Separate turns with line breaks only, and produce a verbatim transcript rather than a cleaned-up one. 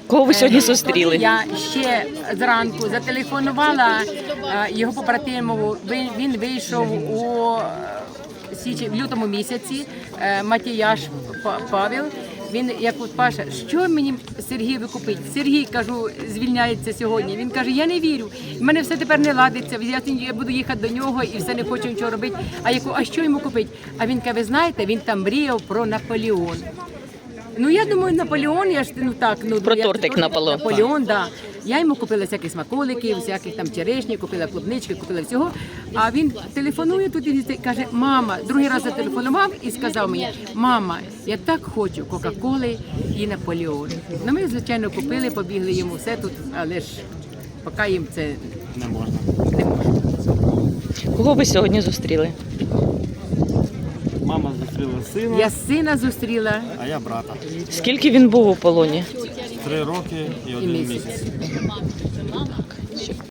Кого ви сьогодні зустріли?
Я ще зранку зателефонувала е, його побратимову. Він, він вийшов у е, січі, в лютому місяці. Е, Матіяш Па- Павел. Він як от Паша, що мені Сергій викупить? Сергій, кажу, звільняється сьогодні. Він каже, я не вірю. В мене все тепер не ладиться. Я, я буду їхати до нього і все не хочу нічого робити. А яку, а що йому купити? А він каже, ви знаєте, він там мріяв про Наполеон. Ну я думаю, Наполеон, я ж ну так, ну
Про
як
тортик Наполеон.
Наполеон, да. Я йому купила всякі смаколики, всяких там черешні, купила клубнички, купила всього. А він телефонує тут і каже, мама, другий раз зателефонував і сказав мені, мама, я так хочу Кока-Коли і Наполеон. Ну ми, звичайно, купили, побігли йому все тут, але ж поки їм це
Не можна.
не можна.
Кого ви сьогодні зустріли?
Мама зустріла сина,
Я сина зустріла
а я брата.
Скільки він був у полоні?
Три роки і
і
один
місяць.
місяць.